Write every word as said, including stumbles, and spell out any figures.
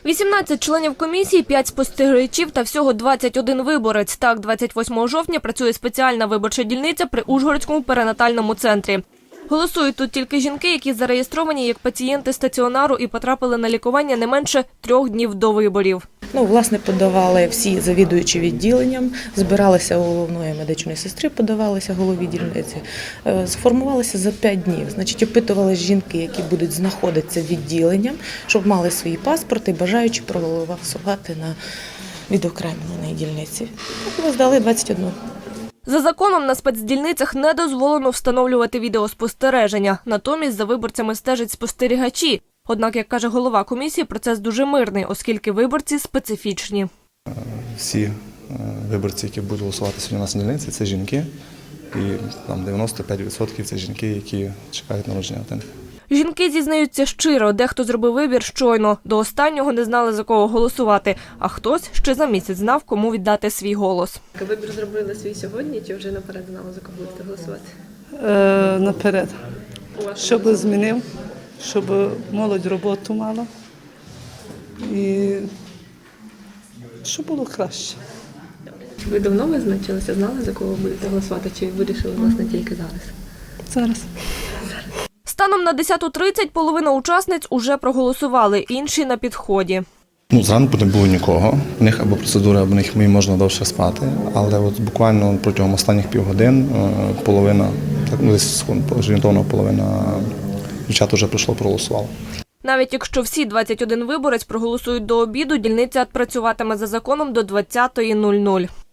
вісімнадцять членів комісії, п'ять спостерігачів та всього двадцять один виборець. Так, двадцять восьмого жовтня працює спеціальна виборча дільниця при Ужгородському перинатальному центрі. Голосують тут тільки жінки, які зареєстровані як пацієнти стаціонару і потрапили на лікування не менше трьох днів до виборів. Ну, власне, подавали всі завідуючі відділенням, збиралися у головної медичної сестри, подавалися голові дільниці. Сформувалися за п'ять днів. Значить, опитували жінки, які будуть знаходитися відділенням, щоб мали свої паспорти, бажаючи проголосувати на відокремленій дільниці. Так, ми здали двадцять одну. За законом на спецдільницях не дозволено встановлювати відеоспостереження. Натомість за виборцями стежать спостерігачі. Однак, як каже голова комісії, процес дуже мирний, оскільки виборці специфічні. Всі виборці, які будуть голосувати сьогодні у нас на дільниці, це жінки. І там дев'яносто п'ять відсотків це жінки, які чекають народження дитини. Жінки зізнаються щиро, дехто зробив вибір щойно. До останнього не знали, за кого голосувати, а хтось ще за місяць знав, кому віддати свій голос. Вибір зробили свій сьогодні чи вже наперед знали, за кого будете голосувати? Е, наперед. Щоб змінив, щоб молодь роботу мала і щоб було краще. Ви давно визначилися, знали, за кого будете голосувати, чи вирішили, власне, тільки зараз? Зараз. Станом на десяту тридцять половина учасниць уже проголосували, інші на підході. Ну, зранку не було нікого. В них або процедура, або в них можна довше спати. Але от буквально протягом останніх півгодин половина, так, десь орієнтовно половина дівчат вже прийшло, проголосувало. Навіть якщо всі двадцять один виборець проголосують до обіду, дільниця працюватиме за законом до двадцятої нуль нуль.